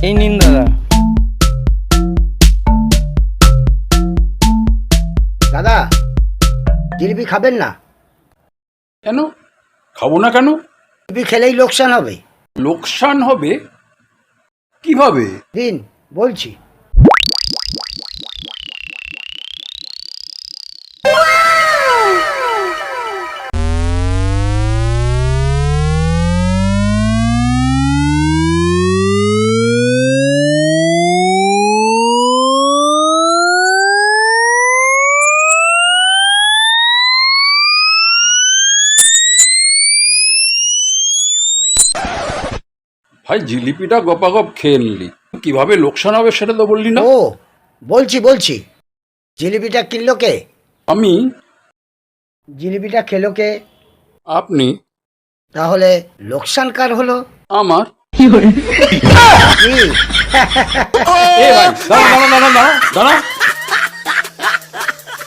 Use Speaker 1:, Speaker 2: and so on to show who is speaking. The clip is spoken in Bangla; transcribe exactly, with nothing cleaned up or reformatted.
Speaker 1: এই নিন দাদা।
Speaker 2: দাদা, জিলিপি খাবেন না?
Speaker 3: কেন খাবো না কেন?
Speaker 2: জিলিপি খেলেই লোকসান হবে।
Speaker 3: লোকসান হবে কিভাবে?
Speaker 2: দিন বলছি।
Speaker 3: ভাই জিলিপিটা গপাগপ খেয়ে নিলি, কিভাবে লোকসান হবে সেটা তো বললি না।
Speaker 2: ও বলছি বলছি জিলিপিটা কিনলো কে?
Speaker 3: আমি।
Speaker 2: জিলিপিটা খেলো কে?
Speaker 3: আপনি।
Speaker 2: তাহলে লোকসান কার হলো?
Speaker 3: আমার।
Speaker 2: কি?
Speaker 3: এ ভাই দাঁড়া দাঁড়া দাঁড়া দাঁড়া দাঁড়া